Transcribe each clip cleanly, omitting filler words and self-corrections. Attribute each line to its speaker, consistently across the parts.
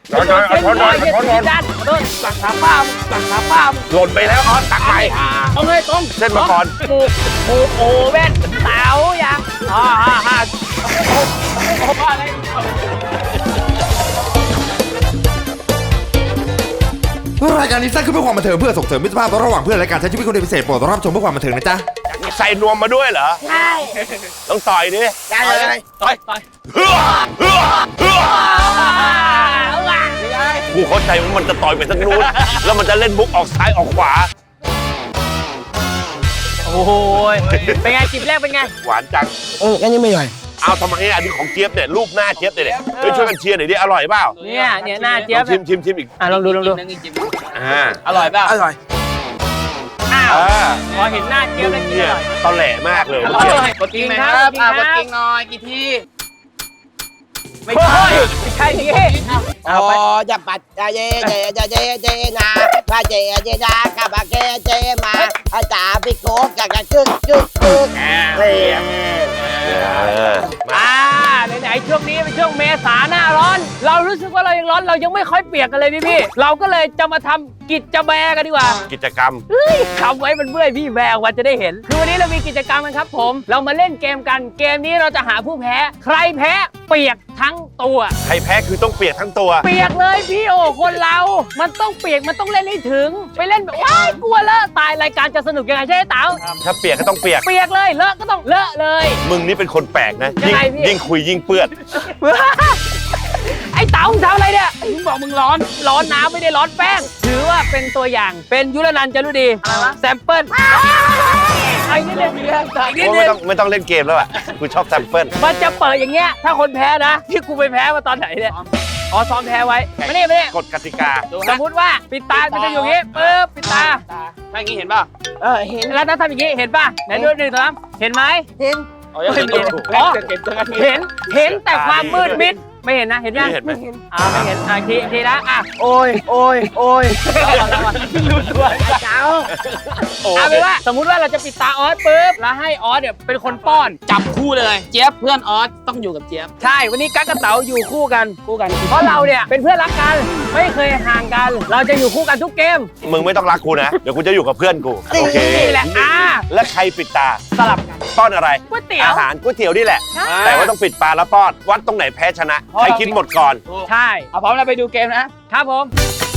Speaker 1: ด้านโดนสั่งขาป้า
Speaker 2: หล่นไปแล้วออสตักใหม่
Speaker 1: เอาเลยตรง
Speaker 2: เส้นมังกร
Speaker 1: หมูโอเว่นเต๋าอย่างฮ่าโอ้อะไร
Speaker 3: รายการนี้สร้างขึ้นเพื่อความบันเทิงเพื่อส่งเสริมมิตรภาพระหว่างเพื่อนและการใช้ชีวิตคนเดียวพิเศษโปรดรับชมเพื่อความบันเทิงนะจ๊ะ
Speaker 2: ใส่นวมมาด้วยเหรอ
Speaker 1: ใช่
Speaker 2: ต้องต่อยดิ
Speaker 1: ได้เลยต่อย
Speaker 2: กูเข้าใจว่ามันจะต่อยไปทางนู้นแล้วมันจะเล่นมุกออกซ้ายออกขวา
Speaker 1: โอ้โหเป็นไงจิบแรกเป็นไง
Speaker 2: หวานจัง
Speaker 4: งั้นยังไม่ย่อย
Speaker 2: เอาทำไมอันนี้ของเจี๊ยบเนี่ยรูปหน้าเจี๊ยบเนี่ยเฮ้ยช่วยกันเชียร์หน่อยดิอร่อยเปล่า
Speaker 1: เนี่ยหน้าเจี๊ยบ
Speaker 2: ชิมอีก
Speaker 1: ลองดูอร่อยเปล่า
Speaker 4: อร่อย
Speaker 1: อ้าวพอเห็นหน้าเจี๊ยบแล้วกินอร่อย
Speaker 2: ตอแหลมากเลย
Speaker 1: กดกิ้งครับกดกิ้งหน่อยกี่ทีไม่ใช่ทีเอาไป
Speaker 4: จะปัดเจนาพาเจนาข้าบาเจมาอาจารย์พี่โก้กับกึก
Speaker 1: ไหนช่วงนี้เป็นช่วงเมษาหน้าร้อน เรารู้สึกว่าเรายังร้อนเรายังไม่ค่อยเปียกกันเลยพี่เราก็เลยจะมาทำกิจแบกันดีกว่า
Speaker 2: กิจกรรม
Speaker 1: คำไว้มันเมื่อยพี่แบกวันจะได้เห็นคือวันนี้เรามีกิจกรรมกันครับผมเรามาเล่นเกมกันเกมนี้เราจะหาผู้แพ้ใครแพ้เปียกทั้งตัว
Speaker 2: ใครแพ้คือต้องเปียกทั้งตัว
Speaker 1: เปียกเลยพี่โอคนเรา มันต้องเปียกมันต้องเล่นให้ถึงไปเล่นแบบว้ายกลัวเลอะตายรายการจะสนุกยังไงใช่ไหมเต๋า
Speaker 2: ถ้าเปียกก็ต้องเปียก
Speaker 1: เปียกเลยเลอะก็ต้องเลอะเลย
Speaker 2: มึงนี่เป็นคนแปลกนะ
Speaker 1: ยังไงพี่
Speaker 2: ยิ่งคุยยิ่งเปื้อน
Speaker 1: ไอ้เต๋ามึงทำอะไรเนี่ยมึงบอกมึงร้อนน้ำไม่ได้ร้อนแป้งถือว่าเป็นตัวอย่างเป็นยุรนันท์จารุดีแซมเปิลไอ้นี่เล่นอีกแล้ว
Speaker 2: ไม่ต้องเล่นเกมแล้วอ่ะกูชอบแซมเปิล
Speaker 1: มันจะเปิดอย่างเงี้ยถ้าคนแพ้นะที่กูไปแพ้มาตอนไหนเนี่ยอ๋อซ้อมแพ้ไว้ไม่ได้
Speaker 2: กฎกติกา
Speaker 1: สมมติว่าปิดตามันจะอยู่อย่างงี้ปึ๊บปิดตา
Speaker 4: ถ้าอย่างนี้เห็นป่ะเห็น
Speaker 1: แล้วถ้าทำอย่างงี้เห็นป่ะไหนดูหนึ่งสองเห็นไหม
Speaker 4: เห็น
Speaker 1: อ๋อเห็นแต่ความมืดมิดไม่เห็นนะเห็นยัง
Speaker 2: ไม่เห็นไหม
Speaker 1: ไม่เห็นทีนะ
Speaker 4: โอ้ย
Speaker 1: รู้ตัวเจ้าเอาเป็นว่าสมมุติว่าเราจะปิดตาออสปุ๊บแล้วให้ออสเนี่ยเป็นคนป้อนจับคู่เลยเจี๊ยบเพื่อนออสต้องอยู่กับเจี๊ยบใช่วันนี้กั๊กกับเต๋าอยู่คู่กันเพราะเราเนี่ยเป็นเพื่อนรักกันไม่เคยห่างกัน เราจะอยู่คู่กันทุกเกม
Speaker 2: มึงไม่ต้องรักกูนะ เดี๋ยวกูจะอยู่กับเพื่อนกู โอเค
Speaker 1: นี่แหละ
Speaker 2: แล้วใครปิดตา
Speaker 1: สลับกัน
Speaker 2: ป้อนอะไร
Speaker 1: ก๋วยเตี๋ยว
Speaker 2: อาหารก๋วยเตี๋ยวนี่แหละ
Speaker 1: ใช่
Speaker 2: แต่ว่าต้องปิดปากแล้วป้อน วัดตรงไหนแพ้ชนะ ใครกินหมดก่อน
Speaker 1: ใช่เอาพร้อมแล้วไปดูเกมนะครับผม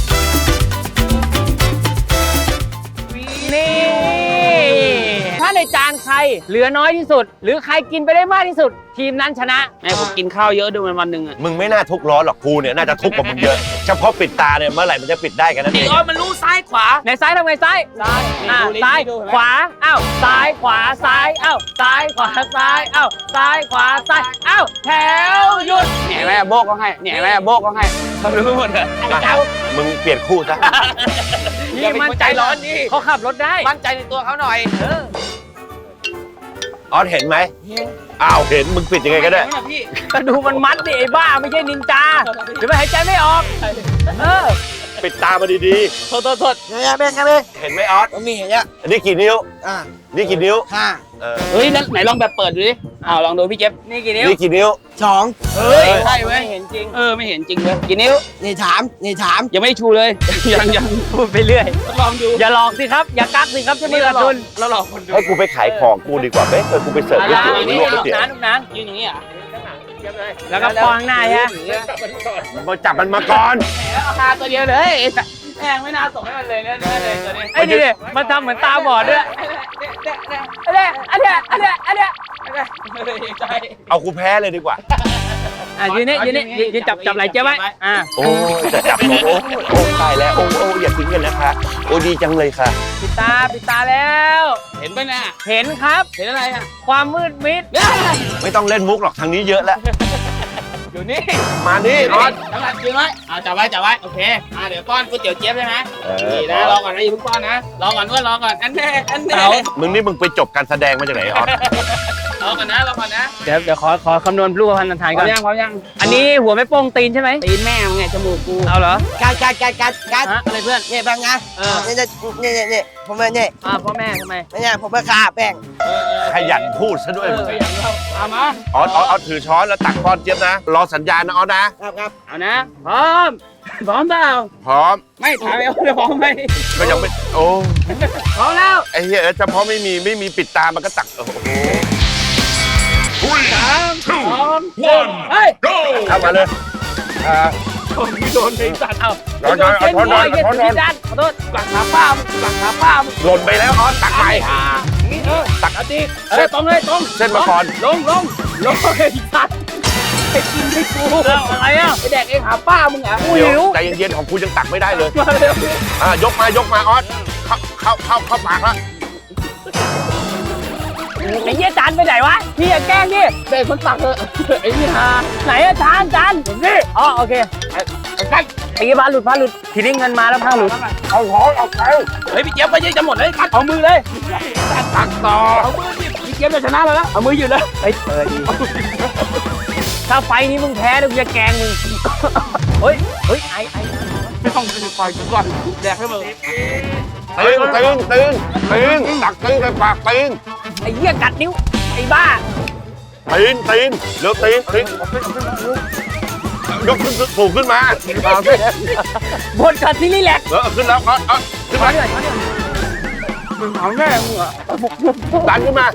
Speaker 1: นี่ถ้าในจานใครเหลือน้อยที่สุด หรือใครกินไปได้มากที่สุด ทีมนั้นชนะแม่ผมกินข้าวเยอะด้วยวันหนึ่งอ่ะ
Speaker 2: มึงไม่น่าทุกข์ร้อนหรอกกูเนี่ยน่าจะทุกข์กว่ามึงเยอะ เฉพาะปิดตาเนี่ยเมื่อไหร่มันจะปิดได้กันนั่นเอง
Speaker 1: มันรู้ซ้ายขวาไหนซ้ายทำไงซ้ายซ้ายขวาอ้าวซ้ายขวาซ้ายอ้าวซ้ายขวาซ้ายอ้าวซ้ายขวาซ้ายอ้าวแถวหยุดเนี่ยแม่โบกก็ให้เขารู้หมดเลย
Speaker 2: มึงเปลี่ยนคู่ซะ
Speaker 1: นี่มั่นใจร้อนดิเขาขับรถได้มั่นใจในตัวเขาหน่อย
Speaker 2: ออสเห็นไหมอ้าวเห็นมึงปิดยังไงก็ได้
Speaker 1: ก็ดูมันมัดดิไอ้บ้าไม่ใช่นินจาเดี๋ยวมันหายใจไม่ออก
Speaker 2: ปิดตามาดี
Speaker 1: โทษ
Speaker 4: เนี่ยแม่กันเลย
Speaker 2: ๆ เห็นไหมออส
Speaker 4: มีเห็นเนี่ย
Speaker 2: อันนี้กี่นิ้ว นี่กี่นิ้ว
Speaker 1: เฮ้ยไหนลองแบบเปิดดูดิลองดูพี่เจ็บนี่กี่นิ้ว
Speaker 2: นี่กี่นิ้ว
Speaker 4: 2
Speaker 1: เฮ้ยใช่เว้ยเห็นจริงไม่เห็นจริงเว้ยกี่นิ้ว
Speaker 4: นี่ถาม
Speaker 1: ยังไม่ชูเลย ยังพูดไปเรื่อยลองดูอย่าหลอกสิครับอย่ากักสิครับจะมีกระทุนเราหลอกคนดู
Speaker 2: ให้กูไปขายของกูดีกว่าไหมกูไปเสิร์ฟก๋วยเตี๋ยวลวกก๋วยเตี๋ยว
Speaker 1: ลูกนั้นยืนอย่างนี้อ่ะแล้วก็ปองหน้าฮะ
Speaker 2: มาจับมันมาก่อน
Speaker 1: คาตัวเดียวเลยแม่งไม่น่าส่งให้มันเลยเนี่ยเลยตัวนี้ไอ้นี่มันทำเหมือนตาบอดด้วยอันเนี้ย
Speaker 2: เอากูแพ้เลยดีกว่า
Speaker 1: ยืนนี่จับไหล่เจ๊ไว้
Speaker 2: โอ้จะจับโอ้ตายแล้วโอ้อย่าทิ้งกันนะคะโอ้ดีจังเลยค่ะ
Speaker 1: ปิดตาแล้วเห็นป่ะน่ะเห็นครับเห็นอะไรอ่ะความมืดมิด
Speaker 2: ไม่ต้องเล่นมุกหรอกทางนี้เยอะแล้ว
Speaker 1: อยู่นี่
Speaker 2: มานี่ออส
Speaker 1: น้ำมันยืนไว้จับไว้โอเคเดี๋ยวป้อนก๋วยเตี๋ยวเจี๊ยบใช่ไหมนี่นะรอก่อนนะอย่าเพิ่งป้อนนะรอก่อนอันแน่
Speaker 2: มึงนี่มึงไปจบการแสดงมาจากไหนออส
Speaker 1: รอก่อนนะเดี๋ยวขอคำนวณรูปพรรณทานก่อนพร้อมยังอันนี้หัวไม่โป้งตีนใช่ไหมตีนแม่ไงจมูกกูเอาเหรอกัดอะไรเพื่อน
Speaker 4: นี่บ้างนะนี่ผมเนี่ย
Speaker 1: พ่อแม่ทำไม
Speaker 4: เนี่ยผมมาฆ่าแป้ง
Speaker 2: ขยันพูดซะด้วยมึง
Speaker 1: เอามา
Speaker 2: ออสถือช้อนแล้วตักป้อนเจี๊ยบนะรอสัญญาณนะออสนะครับ
Speaker 1: เอานะพร้อมเปล่า
Speaker 2: พร้อม
Speaker 1: ไม่ถามเอาจะพร้อมไหม
Speaker 2: ก็ยังไม่โอ้
Speaker 1: พร้อมแล้ว
Speaker 2: ไอ้เหี้ยเฉพาะไม่มีปิดตามันก็ตักโอ้โห
Speaker 1: 3 2 1เฮ้ย
Speaker 2: เข้ามาเลย
Speaker 1: โดนไอ้สัตว์เอา
Speaker 2: นอนเอาช้อนนอนเอาช้อนนอน
Speaker 1: ขอโทษหลังขาป้า
Speaker 2: หล่นไปแล้วออสตักใหม่
Speaker 1: ตักเอาดิตรงเลยตรง
Speaker 2: เส้นมาก่อน
Speaker 1: ลงไอ้สัตว์ไอ้กินให้กูอะไรอ่ะไอ้แดกเองหาป้ามึงอ่ะกูหิว
Speaker 2: ใจเย็นๆของคุณยังตักไม่ได้เลย
Speaker 1: มาเร็วย
Speaker 2: กมาออสเข้าปากแล้ว
Speaker 1: ไอ้เหี้ยจานไปไหนวะพี่อย่าแกล้งดิเด็กคนตักเถอะไอ้นี่ฮาไหนอะจานนี่อ๋อโอเคไอ้ผ้าหลุดทีนี้เงินมาแล้วผ้าหลุด
Speaker 2: เอาช้อนเอาไป
Speaker 1: เฮ้ยพี่เจี๊ยบไปยังจะหมดเลยกัดเอามือเลยตักต่อเอามือดิพี่เจี๊ยบจะชนะแล้วเอามืออยู่เลยเฮ้ยถ้าไฟนี้มึงแพ้เดี๋ยวกูจะแกงมึงเฮ้ยไอ้ไม่ต้องปล่อยกูก่อนแดกให้มึง
Speaker 2: ตึงตักตึงใส่ปากตึง
Speaker 1: ไอ้เหี้ยกัดนิ้วไอ้บ้า
Speaker 2: ตีนเร็วตีนยกขึ้นสูงขึ้นมา
Speaker 1: บนกัดที่นี่แหละ
Speaker 2: ขึ้นแล้วขึ้นมา
Speaker 1: มึงเอาแน่มึงอ่ะ
Speaker 2: ดันขึ้นมา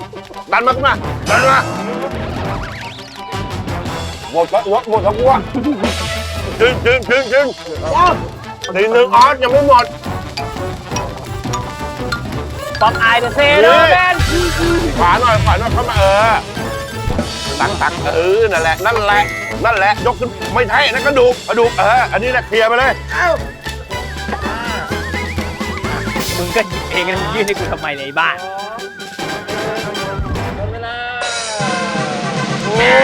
Speaker 2: หมดแล้วกูอ่ะดึงตีนหนึ่งออสยังไม่หมด
Speaker 1: ป๊อปอายเดอะเซโร่แมน
Speaker 2: ขวาหน่อยเข้ามาตักนั่นแหละยกขึ้นไม่ใช่นั่นกระดูกอันนี้แหละเคลียร์ไปเลย
Speaker 1: มึงก็หยิบเองนะยื่นให้กูทำไมเลยบ้าโอ้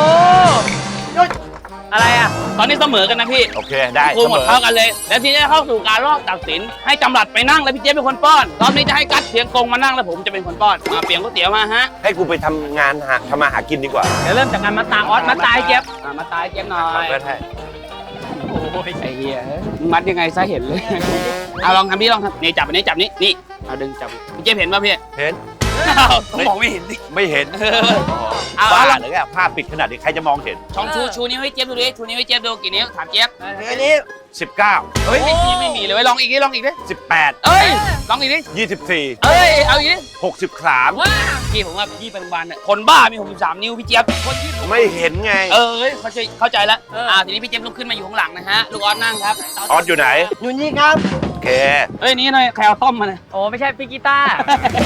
Speaker 1: อะไรอ่ะตอนนี้เสมอกันนะพี่
Speaker 2: โอเคได้
Speaker 1: กูหมดเท่ากันเลยแล้วทีนี้เข้าสู่การรอบตัดสินให้จำรัดไปนั่งแล้วพี่เจี๊ยบเป็นคนป้อนรอบนี้จะให้กัดเสียงกงมานั่งแล้วผมจะเป็นคนป้อนมาเปลี่ยนก๋วยเตี๋ยวมาฮะ
Speaker 2: ให้กูไปทำงานทำมาหากินดีกว่า
Speaker 1: เดี๋ยวเริ่มจากการมาตาออสมาตายเจี๊ยบมาตายเจี๊ยบหน่อย
Speaker 2: ก็ได้
Speaker 1: โอ้ยไอ้เหี้ยมัดยังไงซะเห็นเลยเอาลองทำพี่ลองทำนี่จับอันนี้จับนี่เอาดึงจับพี่เจี๊ยบเห็นป่ะพี่
Speaker 2: เห็น
Speaker 1: มองไม่เห็นดิ
Speaker 2: ไม่เห็น
Speaker 1: เอา
Speaker 2: บ้า
Speaker 1: เอา
Speaker 2: หรือไงผ้าปิดขนาดนี้ใครจะมองเห็น
Speaker 1: ช่องชูนิ้วให้เจี๊ยบดูดิชูนิ้วให้เจี๊ยบดูกี่นิ้วถามเจี๊ยบ
Speaker 4: อันนี้
Speaker 2: 19
Speaker 1: เฮ้ยไม่มีเลยเว้ยลองอีกดิ
Speaker 2: 18
Speaker 1: เอ้ยลองอีกดิ
Speaker 2: 24
Speaker 1: เอ้ยเอาอีกดิ
Speaker 2: 63
Speaker 1: ว้าพี่ผมว่าพี่เป็นวันเนี่ยคนบ้ามี63นิ้วพี่เจี๊ยบคนที่
Speaker 2: ไม่เห็นไง
Speaker 1: เข้าใจแล้วทีนี้พี่เจี๊ยบลุกขึ้นมาอยู่ข้างหลังนะฮะลูกออสนั่งครับ
Speaker 2: ออสอยู่ไหน
Speaker 4: อยู่นี่ครับ
Speaker 2: โอเค
Speaker 1: เอ้ยนี่หน่อยใครเอาต้มมาเนี่ยโอ้ไม่ใช่พี่กีตาร์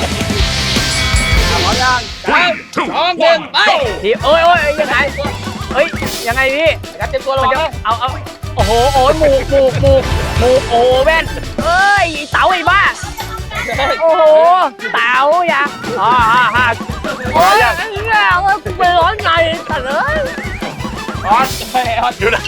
Speaker 1: พร้อมยัง3 2 1ไปพี่โอ้ยยังไงยังไงพี่ยัดเต็มตัวลงเอาโอ้โหหมูโอ้แว่นเอ้ยเต๋าไอ้บ้าโอ้โหเต๋าอย่าโอ้ยไปร้อนไงแต่เลย
Speaker 2: ออสอยู่ไหน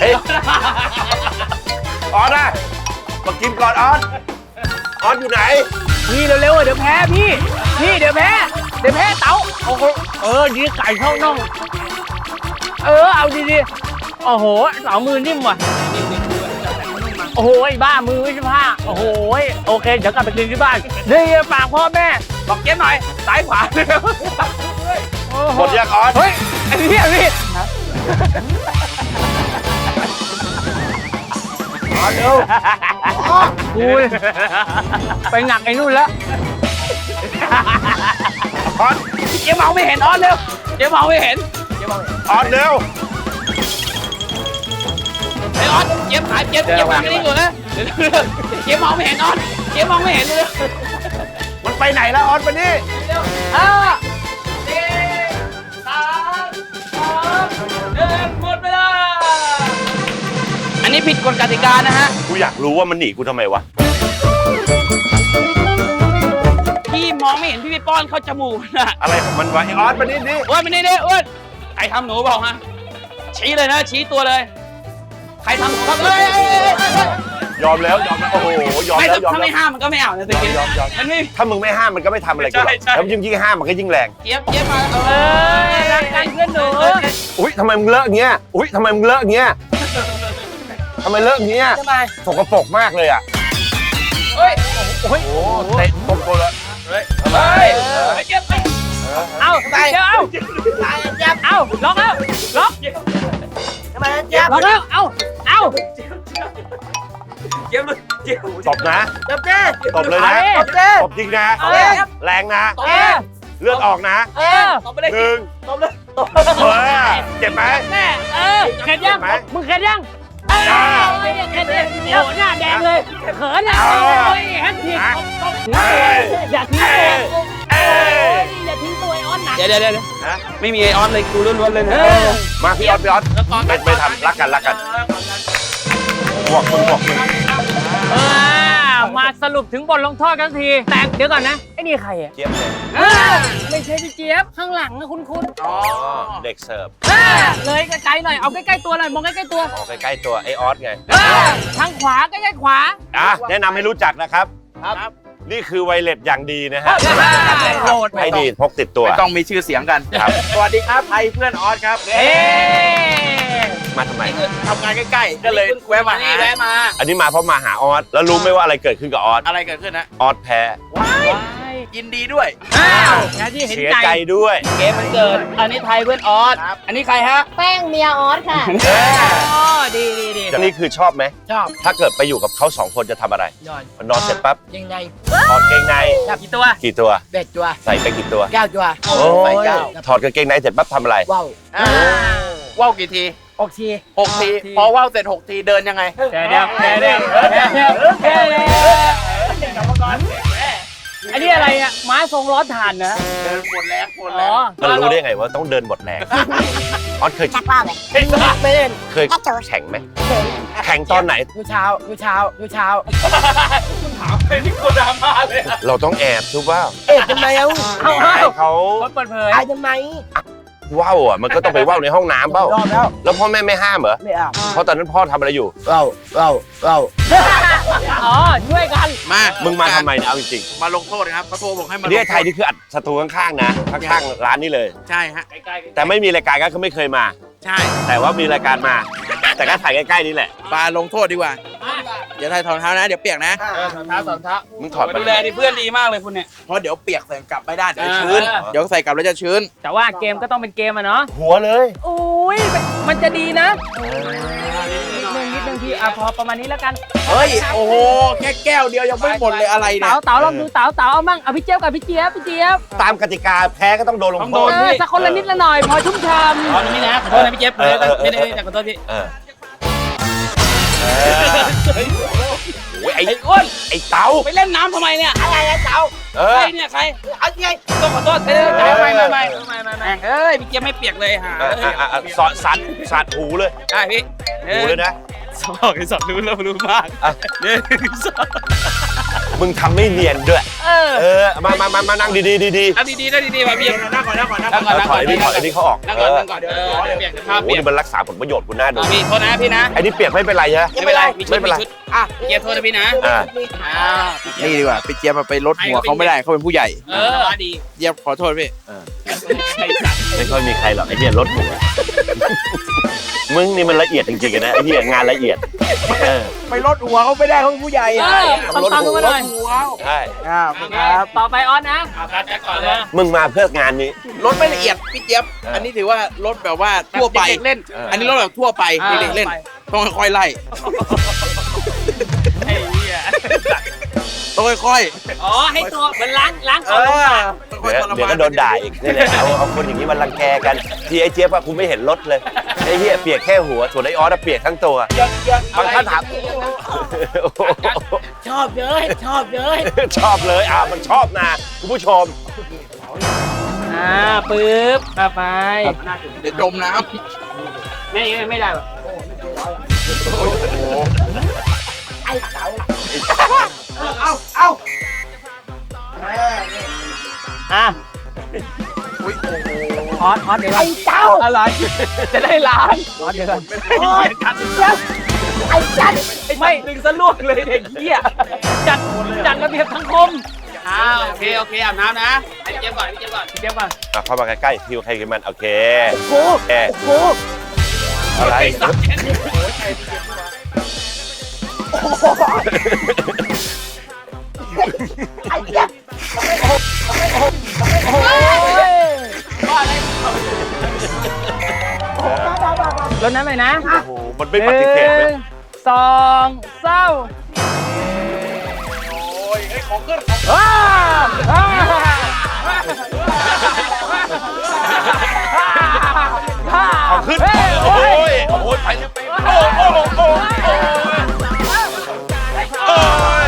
Speaker 2: ออสนะมากินก่อนออสอยู่ไหน
Speaker 1: พี่เร็วๆเดี๋ยวแพ้พี่เดี๋ยวแพ้เต๋าโอ้โหดีไก่เข้าน่องเอาดีโอ้โหเต๋ามือนิ่มว่ะโอ้โหบ้ามือไม่ใช่ผ้าโอ้โหโอเคเดี๋ยวกลับไปกินที่บ้านนี่ฝากพ่อแม่บอกเจ๊หน่อยซ้ายขวาเร็ว
Speaker 2: หมดยังออส
Speaker 1: เฮ้ยไอ้พี่เร็วกูไปหนักไอ้นู่นแล้ว
Speaker 2: ออส
Speaker 1: เจ๊มองไม่เห็นออสเร็วเจ๊มองไม่เห็น
Speaker 2: ออสเร็ว
Speaker 1: ไอ้ออสเจ๊มหายเจ๊มองไม่ได้อยู่นะเจ๊มองไม่เห็นออสเจ๊มองไม่เห็นเลย
Speaker 2: มันไปไหนแล้วออสมานี่
Speaker 1: เร็ว5 4 3 2 1หมดเวลาอันนี้ผิดกฎกติกานะฮะ
Speaker 2: กูอยากรู้ว่ามันหนีกูทำไมวะ
Speaker 1: พี่มองไม่เห็นพี่ไปป้อนเข้าจมูกนะ
Speaker 2: อะไรของมันวะไอออสมานี่ดิ
Speaker 1: อ้วนมานี่ดิอ้วนใครทำหนูบอกฮะชี้เลยนะชี้ตัวเลยใครทำหนูครับ
Speaker 2: ยอมแล้วโอ้โหยอม
Speaker 1: ไม่
Speaker 2: แล้วยอม
Speaker 1: ถ้า
Speaker 2: แล้
Speaker 1: ไม่
Speaker 2: ว
Speaker 1: ห้ามมันก็ไม่เอานะสิ
Speaker 2: ยอม
Speaker 1: มันไม่
Speaker 2: ถ้ามึงไม่ห้ามมันก็ไม่ทำอะไรกูหรอก
Speaker 1: ใช่
Speaker 2: แล้วยิ่งห้ามมันก็ยิ่งแรง
Speaker 1: เจี๊ยบมารักกันเพื่อนหนู
Speaker 2: อุ้ยทำไมมึงเลอะเงี้ยอุ้ยทำไมมึงเลอะเงี้ยทำไมเลอะเงี้ย
Speaker 1: ทำไม
Speaker 2: สกปรกมากเลยอ่ะ
Speaker 1: เฮ้ยโอ้ย
Speaker 2: โอ้เตะตบกูเลย
Speaker 1: เฮ้ยเจี๊ยบเอาไปเดี๋ยวเอาเอาล็อกแล้วล็อก
Speaker 4: ทำไมเจี๊ยบ
Speaker 1: ล็อกแล้วเอา
Speaker 2: ตบนะ
Speaker 4: จับเจ๊
Speaker 2: ตบเลยนะ
Speaker 4: จับเจ๊
Speaker 2: ตบจริงนะ
Speaker 1: เอาเลย
Speaker 2: แรงนะ
Speaker 1: เออ
Speaker 2: เลือดออกนะ
Speaker 1: เออ
Speaker 2: หนึ่งเจ็บไหม
Speaker 1: แม่เข็ดยังมึงเข็ดยังเข็ดเลยโอ้หน้าแดงเลยเขินอ่ะโอ้ยแฮนด์ทีอย่าทิ้งตัวอย่าทิ้งตัวไอออนนะเดี๋ยวไม่มีไอออนเลยกูล้วนๆเลยนะ
Speaker 2: มาพี่ออสไม่ทำรักกันบวกมึง
Speaker 1: มาสรุปถึงบทลงโทษกันทีแต่เดี๋ยวก่อนนะไอ้นี่ใครอ่ะ
Speaker 2: เจี๊ยบเลย
Speaker 1: ไม่ใช่พี่เจี๊ยบข้างหลังนะคุณ
Speaker 2: อ๋อเด็กเสิร์ฟ
Speaker 1: เลยไกลๆหน่อยเอาใกล้ๆตัวหน่อยมองใกล้ๆตัว
Speaker 2: ออกใกล้ๆตัวไอออสไง
Speaker 1: ทางขวาใกล้ๆขวา
Speaker 2: แนะนำให้รู้จักนะครับนี่คือไวเลสอย่างดีนะฮะ
Speaker 1: โหลด
Speaker 2: ให้ดีพกติดตัว
Speaker 5: ไม่ต้องมีชื่อเสียงกัน
Speaker 2: ครับ
Speaker 5: สวัสดีครับไอเพื่อนออสครับ
Speaker 2: มาทำไม
Speaker 5: ทำงานใกล้ๆ ก็เลยแวะมาหา
Speaker 2: อันนี้มาเพราะมาหาออสแล้วรู้ไหมว่าอะไรเกิดขึ้นกับออส
Speaker 5: อะไรเกิดขึ้นนะ
Speaker 2: ออสแพ้
Speaker 5: ยินดีด้วย
Speaker 1: ที่เห็น
Speaker 2: เสีย
Speaker 1: ใจ
Speaker 2: ใจด้วย
Speaker 1: เกมมันเกิดอันนี้ไทยเพื่อนออสอันนี้ใครฮะ
Speaker 6: แป้งเมียออสค่ะ
Speaker 1: อ๋อดี
Speaker 2: นี่คือชอบไหม
Speaker 1: ชอบ
Speaker 2: ถ้าเกิดไปอยู่กับเขา2 คนจะทำอะไร
Speaker 1: ยอด
Speaker 2: นอนเสร็จปั๊บ
Speaker 1: ยังไง
Speaker 2: ถอดเกงใน
Speaker 1: กี่ตัว
Speaker 2: กี่ตัว
Speaker 1: เบ็ดตัว
Speaker 2: ใส่ไปกี่ตัว
Speaker 1: 9ตัว
Speaker 2: โอ้ยถอดกางเกงในเสร็จปั๊บทำอะไร
Speaker 1: ว้าว
Speaker 5: ว่าวกี่ที
Speaker 1: ออกที
Speaker 5: 6 ที พอว่าวเสร็จ 6 ทีเดินยังไง
Speaker 1: แค่เดียวอันนี้อะไรอ่ะม้าทรงล้อถ่านนะ
Speaker 5: เดินหมดแรง
Speaker 1: อ๋อ
Speaker 2: มันรู้ได้ไงว่าต้องเดินหมดแรง ออสเคย
Speaker 6: ชักว่าวเลย
Speaker 1: ไม่เล่น
Speaker 2: เคยแข่งไหมแข่งตอนไหน
Speaker 1: ดูเช้า
Speaker 2: เราต้องแอบทุกว่า
Speaker 4: ทำไมเอา
Speaker 2: ให้เขา
Speaker 1: คนเปิดเผย
Speaker 4: ทำไม
Speaker 2: ว่าวอ่ะมันก็ต้องไปว่าวในห้องน้ำเปล่าร
Speaker 4: อบแล้ว
Speaker 2: แล้วพ่อแม่ไม่ห้ามเหรอ
Speaker 4: ไม่เอา
Speaker 2: เพราะตอนนั้นพ่อทำอะไรอยู่
Speaker 4: เรา
Speaker 1: อ๋อช่วยกัน
Speaker 5: มา
Speaker 2: มึงมาทำไมเนี่ยเอาจริง
Speaker 5: มาลงโทษครับเขาโทรบอกให้
Speaker 2: ๆ
Speaker 5: มา
Speaker 2: ประเทศไทยนี่คืออัดศัตรูข้างๆนะข้างๆร้านนี้เลย
Speaker 5: ใช่ฮะ
Speaker 2: แต่ไม่มีรายการก็คือไม่เคยมา
Speaker 5: ใช่
Speaker 2: แต่ว่ามีรายการมา แต่ก็ถ่ายใกล้ๆนี่แหละ
Speaker 5: มาลงโทษดีกว่า เดี๋ยวถ่ายถอดรองเท้านะ เดี๋ยวเปียกนะ
Speaker 1: สอนเท้า
Speaker 2: มึงถอด
Speaker 1: มา
Speaker 2: มา
Speaker 1: ดูแลดิเพื่อนดีมากเลยคุณเนี่ย
Speaker 5: เพราะเดี๋ยวเปียกใส่กลับไม่ได้เดี๋ยวชื้น เดี๋ยวใส่กลับแล้วจะชื้น
Speaker 1: แต่ว่าเกมก็ต้องเป็นเกมอะเนาะ
Speaker 2: หัวเลย
Speaker 1: อุ้ยมันจะดีนะนิดนึงพี่พอประมาณนี้แล้วกัน
Speaker 5: เฮ้ย โอ้โห แค่แก้วเดียวยังไม่หมดเลยอะไรเนี่ย
Speaker 1: เต๋าลองดูเต๋าเอามั่งเอาพี่เจี๊ยบกับพี่เจี๊ยบ
Speaker 2: ตามกติกาแพ้ก็ต้องโดนลงโทษ
Speaker 1: สักคนละนิดละหน่อยพอชุ่มฉ่ำอ๋อนี่นะขอโทษนะพี่เจี๊ยบไม่ได้ขอโทษพี่
Speaker 2: โอ้ยไอ้
Speaker 1: อ้วน
Speaker 2: ไอ้เต๋า
Speaker 1: ไปเล่นน้ำทำไมเนี่ย
Speaker 4: อะไรนะเจ้า
Speaker 1: ใครเนี่ยใคร
Speaker 4: เอาไง
Speaker 1: ต้องขอโทษไม่เอ้ยพี่เจี๊ยบไม่เปียกเลยฮะ
Speaker 2: สอดสัดหูเลย
Speaker 1: ได้พี่
Speaker 2: หูเลยนะ
Speaker 1: สองรู้แล้วรู้มากเนี่ย
Speaker 2: มึงทำไม่เนียนด้วยมานั่งดีๆดี
Speaker 1: เอาดีมาพี่
Speaker 5: นั่งก่อน
Speaker 2: ถอยไอ้นี่เขาออก
Speaker 1: นั่งก่อนเดี๋ยวเปียกภาพ
Speaker 2: โอ้
Speaker 1: เปียก
Speaker 2: นี่มันรักษาผลประโยชน์กูน่าดู
Speaker 1: พี่โทษนะพี่นะ
Speaker 2: ไอ้นี่เปียกไม่เป็นไรใช่ไหม
Speaker 1: ไม่เป็นไรมีชุด
Speaker 4: อ่ะ
Speaker 1: เจี๊ยบโทษนะพี่นะ
Speaker 5: นี่ดีกว่าพี่เจี๊ยบมาไปลดหัวเขาไม่ได้เขาเป็นผู้ใหญ่
Speaker 1: ดี
Speaker 5: เจี๊ยบขอโทษพี่
Speaker 2: ไม่ค่อยมีใครหรอกไอ้เนี่ยรถหมูมึงนี่มันละเอียดจริงๆนะไอ้เนี่ยงานละเอียด
Speaker 5: ไปลดหัวเขาไม่ได้เขาเป็นผู้ใหญ่
Speaker 1: ตามกันมาหน่อย
Speaker 2: ใช่
Speaker 5: ครับ
Speaker 1: ต่อไปออนนะก่อนเลย
Speaker 2: มึงมาเพื่องานนี้
Speaker 5: รถไม่ละเอียดพี่เจี๊ยบ อันนี้ถือว่ารถแบบว่าทั่วไป
Speaker 1: เล่น
Speaker 5: อันนี้รถแบบทั่วไปเด็กๆเล่น ต้องค่อยๆไล่
Speaker 1: ไอ้เหี้ย
Speaker 5: ต้องค่อย
Speaker 1: อ๋อให้ตัวมันล้าง
Speaker 5: ๆ
Speaker 1: ก่อนลงมา
Speaker 5: ค่อยๆทร
Speaker 2: เดี๋ยว
Speaker 5: มาน
Speaker 2: ก็โดนด่าอีกนี่แหละเอาคนอย่างนี้มันรังแกกันที่ไอ้เจี๊ยบอะกูไม่เห็นรถเลยไอ้เหี้ยเปียกแค่หัวส่วนไอ้ออสเปียกทั้งตัวบางท่านถาม
Speaker 1: ชอบเยอะ
Speaker 2: ชอบเลยมันชอบนะคุณผู้ชม
Speaker 1: ปึ๊บไป
Speaker 5: เดี๋ยวจมน้
Speaker 1: ไม่ได้หรอ
Speaker 4: เอา
Speaker 1: อ่ะ
Speaker 5: ำอุ้ยโอ้โห
Speaker 1: ออสเดี๋ยวไอ้เจ้าอะไรจะได้ล้างออสเดี๋ยวก่อน
Speaker 4: ไอ้จัน
Speaker 1: ไม่ดึงสะลวกเลยเด็กเหี้ยจัดระเบียบสังคมโอเคอาบน้ำนะให้เจี๊ยบก่อนพี่เจี๊ยบก่อน
Speaker 2: เข้ามาใกล้ๆฮิวใครกันมันโอเค
Speaker 4: โอ้โห
Speaker 2: อะไร
Speaker 4: ไอ้เจี๊ยบ
Speaker 1: รถนั้นเลยนะ
Speaker 2: โอ้โหมันไม่ปฏิเสธเลย
Speaker 1: 1 2 เศร้า
Speaker 2: ของขึ้นโอ้ยไปเลยโอ้ย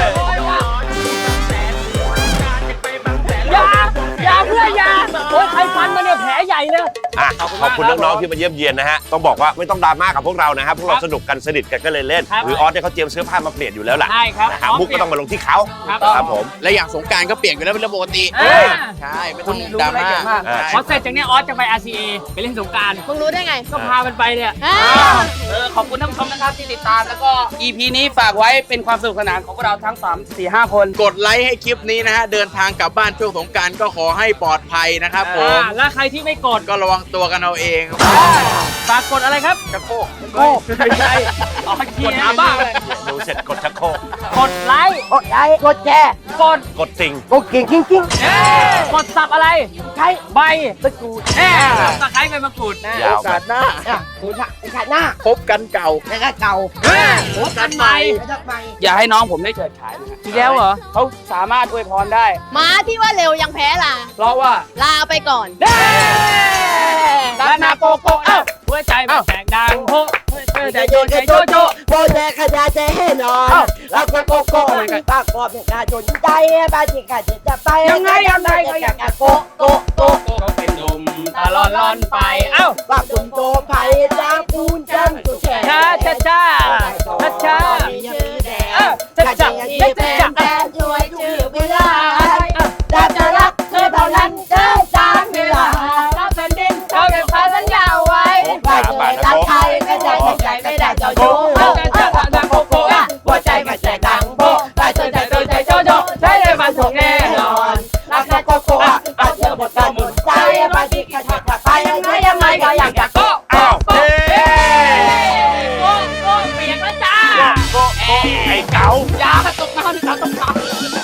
Speaker 1: อย่าเพื่อยาโอ้ยใครฟันมาเนี่ยแผลใหญ่เลย
Speaker 2: อ่ะขอบคุณน้องๆที่มาเยี่ยมเยียนนะฮะต้องบอกว่าไม่ต้องดราม่ากับพวกเรานะครับพวกเราสนุกกันสนิทกันก็เลยเล่นหรือออสเนี่ยเขาเตรียมเสื้อผ้ามาเปลี่ยนอยู่แล้วล่ะ
Speaker 1: ใช่ครับ
Speaker 2: นะฮะมุกก็ต้องมาลงที่เขา ครับผม
Speaker 5: และอย่างสงกรารก็เปลี่ยนกันแล้วเป็นเรื่องปกติใช่ไม่ต้องดราม่า
Speaker 1: พอเสร็จจากนี้ออสจะไป RCA ไปเล่นสงกราร
Speaker 6: มึงรู้ได้ไง
Speaker 1: ก็พามันไปเนี่ย
Speaker 6: อ่า
Speaker 1: ขอบคุณท่านผู้ชมนะครับที่ติดตามแล้วก็ EP นี้ฝากไว้เป็นความสนุกสนานของพวกเราทั้ง 3-4-5 คน
Speaker 5: กดไลค์ให้คลิปนี้นะฮะเดินทางกลับบ้านช่วงสงกรารก็ขอให้ปลอดภัยนะครับผม
Speaker 1: และใครที่ไม่กด
Speaker 5: ก็ระวังตัวกันเอาเอง
Speaker 1: ฝากกดอะไรครับ
Speaker 5: กระโคก
Speaker 1: ไม่ใช่อ๋อกดหาบ้าเลย
Speaker 2: ดูเสร็จกดชักโครก
Speaker 1: กดไลค์
Speaker 4: กดไลค์กดแชร์
Speaker 1: กด
Speaker 2: กดสิ่ง
Speaker 4: กดกิ่งกิ้ง
Speaker 1: กดสับอะไร
Speaker 4: ใช้
Speaker 1: ใบตะกรูดตะไคร้ใบมะกรูด
Speaker 2: ยาว
Speaker 5: โอกาสหน้า
Speaker 4: คุณขาดหน้า
Speaker 5: พบกันเก่า
Speaker 4: แล้วก็เก่า
Speaker 1: โอ้กันใหม่
Speaker 4: แล้วก็ใหม่
Speaker 1: อย่าให้น้องผมได้เฉิดฉายนะอีกแล้วเหรอเขาสามารถอวยพรได้
Speaker 6: ม้าที่ว่าเร็วยังแพ้ล่ะ
Speaker 1: เพราะว่า
Speaker 6: ลาไปก่อน
Speaker 1: ด้านนาโกโก้เอ้าหัวใจมันแตกดังโฮใจโยนใจโยโจ
Speaker 4: โบแดขยาใจให้นอนแล้วก็โกโก้ปากกอบเนี่ยการจนใจบ้านที่ขาดจะไปก็อยากโกโกโก
Speaker 1: ก็เป็นหนุ่มตลอดล่อนไปเอ้า
Speaker 4: ว่าคุณโตไผ่จ้าปูนจังสุดแฉ
Speaker 1: ช้าช้าช้าช้าช้า
Speaker 4: จะจับจะจับแฟนช่วยชื่อเวลาจะรักเธอเท่านั้นเธอจางเวลา
Speaker 1: รับแผ่นดินเราเก็บพาสัญญาไว้
Speaker 4: ว่าจะรักใครไม่ได้ใจไม่ได้เจ้าชู้
Speaker 1: หัวใจมันแตกดังโบใจโจโจใช้ได้ฟันถูกแน่นอนรักแค่โกโก้อาเธอหมดกันหมดใจบางทีก็จะไปยังไงก็อยากจะโก้โก้เปียกแล้วจ้า
Speaker 2: โกไอ้เก๋า
Speaker 1: อย่าตกน้ำ